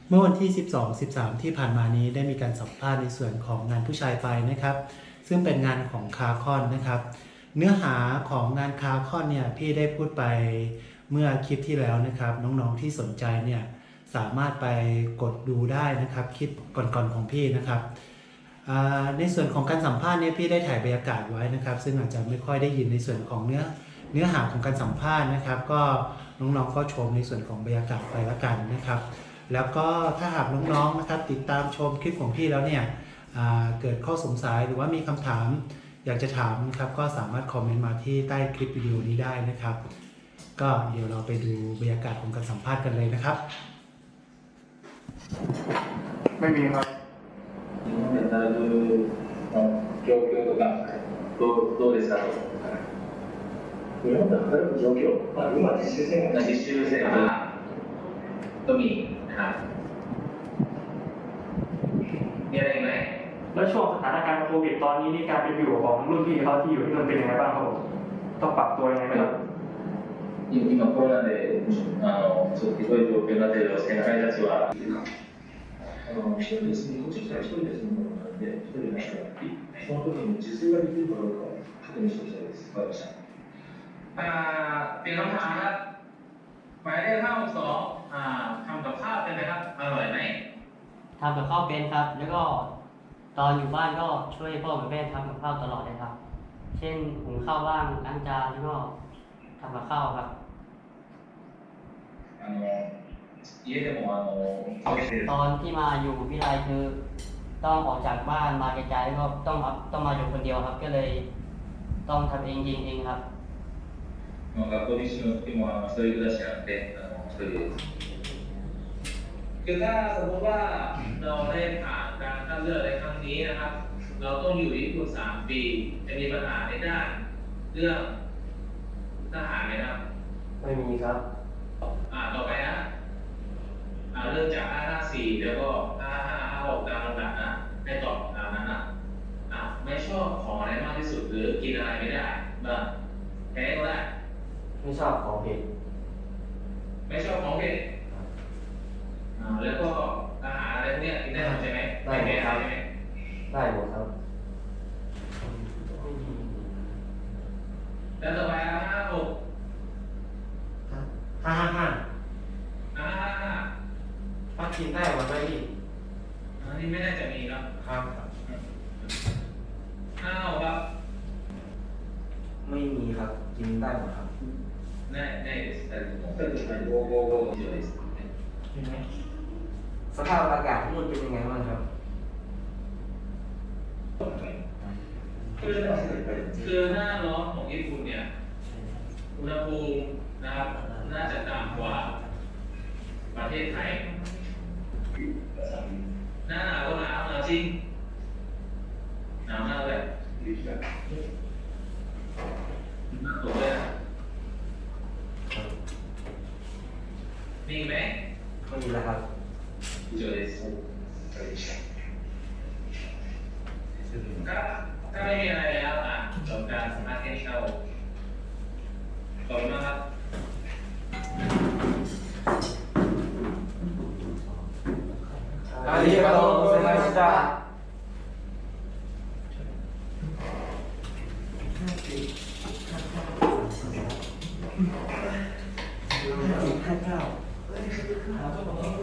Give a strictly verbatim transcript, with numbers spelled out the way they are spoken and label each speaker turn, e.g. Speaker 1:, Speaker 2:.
Speaker 1: เมื่อวันที่ สิบสอง สิบสาม ที่ผ่านมานี้ได้มีการสัมภาษณ์ในส่วนของงานผู้ชายไปนะครับซึ่งเป็นงานของคาคอนนะครับเนื้อหาของงานคาคอนเนี่ยพี่ได้พูดไปเมื่อคลิปที่แล้วนะครับน้องๆที่สนใจเนี่ยสามารถไปกดดูได้นะครับคลิปก่อนๆของพี่นะครับในส่วนของการสัมภาษณ์เนี่ยพี่ได้ถ่ายบรรยากาศไว้นะครับซึ่งอาจจะไม่ค่อยได้ยินในส่วนของเนื้อเนื้อหาของการสัมภาษณ์นะครับก็น้องๆก็ชมในส่วนของบรรยากาศไปแล้วกันนะครับแล้วก็ถ้าหากน้องๆนะครับติดตามชมคลิปของพี่แล้วเนี่ยเกิดข้อสงสัยหรือว่ามีคำถามอยากจะถามนะครับก็สามารถคอมเมนต์มาที่ใต้คลิปวิดีโอนี้ได้นะครับก็เดี๋ยวเราไปดูบรรยากาศของการสัมภาษณ์กันเลยนะครับ
Speaker 2: ไม่มีครับ
Speaker 3: 日本で働く状況とかどうどうですか？
Speaker 4: 日本で働く状況、まあ、今実習生活
Speaker 3: 実習生活ก็มีนะครับมีอะไรอีกไหม
Speaker 2: แล้วช่วงสถานการณ์โควิดตอนนี้นี่การเป็นอยู่ของรุ่นพี่เขาที่อยู่ที่มันเป็นยังไงบ้างครับผมต้องปรับตัวยังไงไหมครับ
Speaker 3: 今コロナであのちょっとひどい状況になっている先輩たちは
Speaker 4: あの一人で住み、こっち来たら一人で住むものなんで、一人でなったら、その時に自炊ができるかどうかを確認しておきたいです。わかりました。
Speaker 5: อ่าเปลี่ยนคำถามครับหมายเลขห้าหกสองอ่าทำกับข้าวเป็นไหมครับอร่อยไหม
Speaker 6: ทำกับข้าวเป็นครับแล้วก็ตอนอยู่บ้านก็ช่วยพ่อกับแม่ทำกับข้าวตลอดเลยครับเช่นหุงข้าวบ้างล้างจานแล้วก็ทำกับข้าวครับ
Speaker 3: あの家でもあの
Speaker 6: ตอนที่มาอยู่วิทยาลัยคือต้องออกจากบ้านมาไกลๆแล้วก็ต้องต้องมาอยู่คนเดียวครับก็เลยต้องทำเองยิงเองครับ
Speaker 3: 学校にしても時もあの一人暮らしなんであの一人です
Speaker 5: คือถ้าสมมติว่าเราได้ผ่านการคัดเลือกในครั้งนี้นะครับเราต้องอยู่ญี่ปุ่นสามปีจะมีปัญหาในด้านเรื่องทหารไหมครับ
Speaker 2: ไม่มีครับ
Speaker 5: อ่าต่อไปนะอ่าเริ่มจากห้าห้าสี่แล้วก็ห้าห้าห้าหกตามลำดับนะให้ตอบตามนั้นนะอ่าไม่ชอบของอะไรมากที่สุดหรือกินอะไรไม่ได้บ้างแพ้ก็ได้
Speaker 2: ไม่ชอบของเผ็ด
Speaker 5: ไม่ชอบของเผ็ดอ่าแล้วก็อาหารอะไรพวกนี้กินได้หมดใช่ไหม
Speaker 2: ได้หมดครับ
Speaker 5: ใช่ไหม
Speaker 2: ได้หมดครับ
Speaker 5: แล้วต่อไปห้าห้าหก
Speaker 2: ห้าห้าห้า
Speaker 5: ห้าห้าห้า
Speaker 2: ถ้ากินได้หมดไหมพี่
Speaker 5: อันนี้ไม่น่าจะมีครับ
Speaker 2: ครับ
Speaker 5: ห้าหกครับ
Speaker 2: ไม่มีครับกินได้หมดครับ
Speaker 5: ได้ได้แต่ผม
Speaker 4: 二人ではい
Speaker 3: ごごご以上です
Speaker 2: เห็นไหมสภาพอากาศที่นู่นเป็นยังไงบ้างครับ
Speaker 5: คือคือหน้าร้อนของญี่ปุ่นเนี่ยอุณหภูมินะครับน่าจะต่ำกว่าประเทศไทยหน้าหนาวก็หนาวหนาวจริงหนาวมากเลยหนาวตัวเลยมีไหม
Speaker 2: ไม่มีแล้วครับ
Speaker 3: 以上です
Speaker 5: ถ้าถ้าไม่มีอะไรแล้วอ่ะจบการสัมภาษณ์แค่นี้ครับขอบคุณมากครับ
Speaker 2: ありがとうございました。ห้าเก้า